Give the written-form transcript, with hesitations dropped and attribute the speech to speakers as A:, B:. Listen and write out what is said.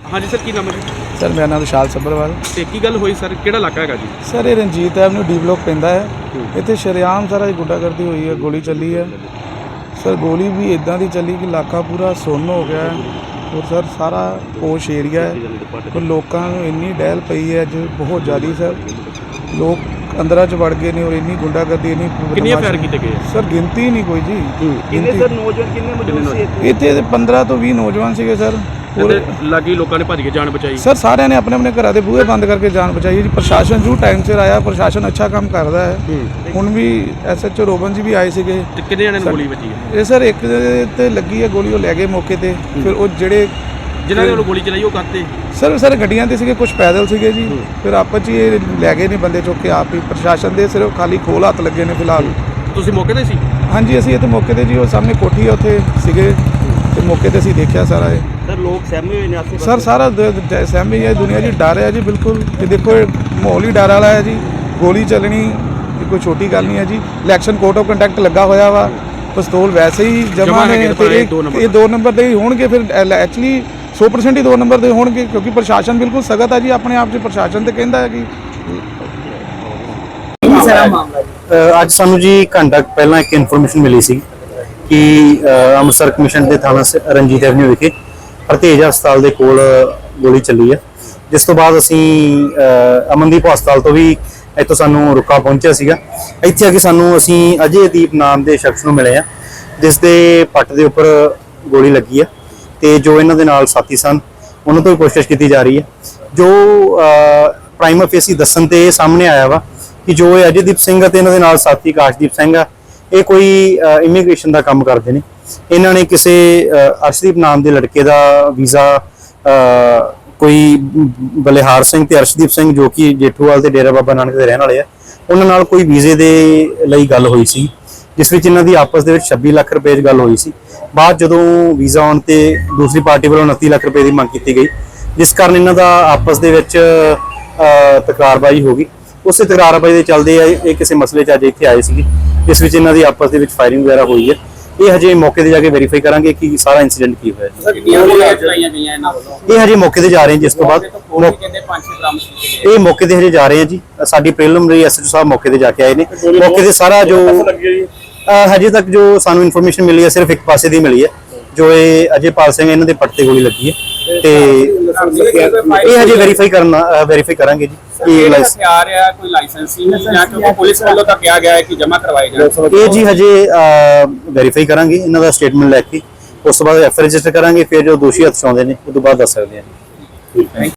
A: हाँ जी सर, की नाम है जी?
B: सर मेरा नाम विशाल सब्बरवाल।
A: ਤੇ ਕੀ ਗੱਲ ਹੋਈ ਸਰ, ਕਿਹੜਾ ਇਲਾਕਾ ਹੈਗਾ ਜੀ?
B: सर ये रंजीत एवेन्यू डी ब्लॉक पैंदा है। इत्थे शरेआम सारा गुंडागर्दी हुई है, गोली चली है। सर गोली भी इदां दी चली कि इलाका पूरा सुन्न हो गया है और सर सारा पोश एरिया है और लोगों को इन्नी डहल पई है अज बहुत ज़्यादा। सर लोग अंदर च वड़ गए ने और इन्नी गुंडागर्दी इन्नी
A: ਕਿੰਨੇ ਫਾਇਰ ਕੀਤੇ ਗਏ?
B: सर गिनती नहीं कोई जी।
C: किन्ने सर नौजवान किन्ने मौजूद सी
B: इत्थे 15 तो 20 नौजवान सीगे सर।
A: लागी लोगों ने भज के जान बचाई।
B: सर सारे ने अपने अपने घर के बूहे बंद करके जान बचाई जी। प्रशासन जरूर टाइम सिर आया, प्रशासन अच्छा काम करता है। हुण भी SHO रोबन जी भी आए सीगे।
A: ਤੇ ਕਿੰਨੇ ਜਣਿਆਂ ਨੂੰ ਗੋਲੀ ਵੱਜੀ ਹੈ?
B: ये सर एक ते लगी है गोली, वो लै गए मौके ते। फिर वो जेड़े
A: ਜਿਨ੍ਹਾਂ ਨੇ ਉਹਨੂੰ ਗੋਲੀ ਚਲਾਈ ਉਹ ਕਰਤੇ
B: सर सर गड्डियां ते सीगे, कुछ पैदल सीगे जी। फिर आपस च ये लै गए ने बंदे चुक के आप ही। प्रशासन दे सिर्फ खाली खोल हत्थ लगे ने फिलहाल।
A: ਤੁਸੀਂ ਮੌਕੇ ਤੇ ਸੀ?
B: हाँ जी असीं इत्थे मौके ते जी, वो सामने कोठी है उत्थे सीगे ते मौके ते असीं देखिया सारा ये।
C: सर लोग सहमे हुए ने आसे
B: सर सारा सहमी है दुनिया जी, डर है जी बिल्कुल। कि देखो माहौल ही डर वाला है जी। गोली चलनी कोई छोटी गल नहीं है जी। इलैक्शन कोड ऑफ कंडक्ट लगा होया वा, पिस्तौल वैसे ही जमा ने ते ये 2 नंबर दे होणगे। फिर एक्चुअली 100% ही 2 नंबर दे होणगे क्योंकि प्रशासन बिल्कुल सख्त है जी अपने आप 'ਚ। प्रशासन तो कहता है कि
D: ਅੱਜ ਸਾਨੂੰ ਜੀ ਘੰਟਾ ਪਹਿਲਾਂ ਇੱਕ ਇਨਫੋਰਮੇਸ਼ਨ ਮਿਲੀ ਸੀ ਕਿ ਅੰਮ੍ਰਿਤਸਰ ਕਮਿਸ਼ਨ ਦੇ ਥਾਣਾ ਰਣਜੀਤ ਐਵਨਿਊ ਵਿਖੇ ਹਰਤੇਜ ਹਸਪਤਾਲ ਦੇ ਕੋਲ ਗੋਲੀ ਚੱਲੀ ਹੈ। ਜਿਸ ਤੋਂ ਬਾਅਦ ਅਸੀਂ ਅਮਨਦੀਪ ਹਸਪਤਾਲ ਤੋਂ ਵੀ ਇੱਥੋਂ ਸਾਨੂੰ ਰੁਕਾ ਪਹੁੰਚਿਆ ਸੀਗਾ। ਇੱਥੇ ਆ ਕੇ ਅਸੀਂ ਅਜੇਦੀਪ ਨਾਮ ਦੇ ਸ਼ਖਸ ਨੂੰ ਮਿਲੇ ਆ ਜਿਸ ਦੇ ਪੱਟ ਦੇ ਉੱਪਰ ਗੋਲੀ ਲੱਗੀ ਹੈ ਤੇ ਜੋ ਇਹਨਾਂ ਦੇ ਨਾਲ ਸਾਥੀ ਸਨ ਉਹਨਾਂ ਤੋਂ ਵੀ ਪੁੱਛਗਿੱਛ ਕੀਤੀ ਜਾ ਰਹੀ ਹੈ। ਜੋ ਪ੍ਰਾਈਮਾ ਫੇਸੀ ਦੱਸਣ ਤੇ ਸਾਹਮਣੇ ਆਇਆ ਵਾ ਕਿ ਜੋ ਇਹ ਅਜੇਦੀਪ ਸਿੰਘ ਅਤੇ ਇਹਨਾਂ ਦੇ ਨਾਲ ਸਾਥੀ ਕਾਸ਼ਦੀਪ ਸਿੰਘ ਆ, ਇਹ ਕੋਈ ਇਮੀਗ੍ਰੇਸ਼ਨ ਦਾ ਕੰਮ ਕਰਦੇ ਨੇ। ਇਹਨਾਂ ਨੇ ਕਿਸੇ ਅਰਸ਼ਦੀਪ ਨਾਮ ਦੇ ਲੜਕੇ ਦਾ ਵੀਜ਼ਾ ਕੋਈ ਬਲਿਹਾਰ ਸਿੰਘ ਤੇ ਅਰਸ਼ਦੀਪ ਸਿੰਘ ਜੋ ਕਿ ਜੇਠੂਵਾਲ ਤੇ ਡੇਰਾ ਬਾਬਾ ਨਾਨਕ ਦੇ ਰਹਿਣ ਵਾਲੇ ਆ, ਉਹਨਾਂ ਨਾਲ ਕੋਈ ਵੀਜ਼ੇ ਦੇ ਲਈ ਗੱਲ ਹੋਈ ਸੀ ਜਿਸ ਵਿੱਚ ਇਹਨਾਂ ਦੀ ਆਪਸ ਦੇ ਵਿੱਚ 26 ਲੱਖ ਰੁਪਏ ਦੀ ਗੱਲ ਹੋਈ ਸੀ। ਬਾਅਦ ਜਦੋਂ ਵੀਜ਼ਾ ਆਉਣ ਤੇ ਦੂਸਰੀ ਪਾਰਟੀ ਵੱਲੋਂ 29 ਲੱਖ ਰੁਪਏ ਦੀ ਮੰਗ ਕੀਤੀ ਗਈ ਜਿਸ ਕਾਰਨ ਇਹਨਾਂ ਦਾ ਆਪਸ ਦੇ ਵਿੱਚ ਤਕਰਾਰਬਾਜ਼ੀ ਹੋ ਗਈ। ਉਸੇ ਤਕਰਾਰਬਾਜ਼ੀ ਦੇ ਚੱਲਦੇ ਆ ਇਹ ਕਿਸੇ ਮਸਲੇ 'ਚ ਅੱਜ ਇੱਥੇ ਆਏ ਸੀਗੇ ਜਿਸ ਵਿੱਚ ਇਹਨਾਂ ਦੀ ਆਪਸ ਦੇ ਵਿੱਚ ਫਾਇਰਿੰਗ ਵਗੈਰਾ ਹੋਈ ਹੈ। ਇਹ ਹਜੇ ਮੌਕੇ ਤੇ ਜਾ ਕੇ ਵੈਰੀਫਾਈ ਕਰਾਂਗੇ ਕਿ ਸਾਰਾ ਇਨਸੀਡੈਂਟ ਕੀ ਹੋਇਆ। ਇਹ ਹਜੇ ਮੌਕੇ ਤੇ ਜਾ ਰਹੇ ਹਾਂ ਜਿਸ ਤੋਂ ਬਾਅਦ ਇਹ ਮੌਕੇ ਤੇ ਹਜੇ ਜਾ ਰਹੇ ਹਾਂ ਜੀ। ਸਾਡੀ ਪ੍ਰੀਲਿਮਿਨਰੀ SHO ਸਾਹਿਬ ਮੌਕੇ ਤੇ ਜਾ ਕੇ ਆਏ ਨੇ। ਮੌਕੇ ਤੇ ਸਾਰਾ ਜੋ ਹਜੇ ਤੱਕ ਜੋ ਸਾਨੂੰ ਇਨਫੋਰਮੇਸ਼ਨ ਮਿਲੀ ਹੈ ਸਿਰਫ ਇੱਕ ਪਾਸੇ ਦੀ ਮਿਲੀ ਹੈ ਜੋ ਇਹ ਅਜੇਪਾਲ ਸਿੰਘ ਇਹਨਾਂ ਦੇ ਪੱਟ ਤੇ ਗੋਲੀ ਲੱਗੀ ਹੈ ਤੇ ਇਹ ਹਜੇ ਵੈਰੀਫਾਈ ਕਰਾਂਗੇ ਜੀ ਕਿ
A: ਹਥਿਆਰ ਆ ਕੋਈ ਲਾਇਸੈਂਸੀ ਜਾਂ ਕਿਉਂਕਿ ਪੁਲਿਸ ਵੱਲੋਂ ਤਾਂ ਕਿਹਾ ਗਿਆ ਹੈ ਕਿ ਜਮ੍ਹਾਂ ਕਰਵਾਏ ਜਾਣ।
D: ਇਹ ਜੀ ਹਜੇ ਵੈਰੀਫਾਈ ਕਰਾਂਗੇ ਇਹਨਾਂ ਦਾ ਸਟੇਟਮੈਂਟ ਲੈ ਕੇ। ਉਸ ਤੋਂ ਬਾਅਦ FIR ਰਜਿਸਟਰ ਕਰਾਂਗੇ। ਫਿਰ ਜੋ ਦੋਸ਼ੀ ਹੱਥ 'ਚ ਆਉਂਦੇ ਨੇ ਉਹ ਤੋਂ ਬਾਅਦ ਦੱਸ ਸਕਦੇ ਹਾਂ।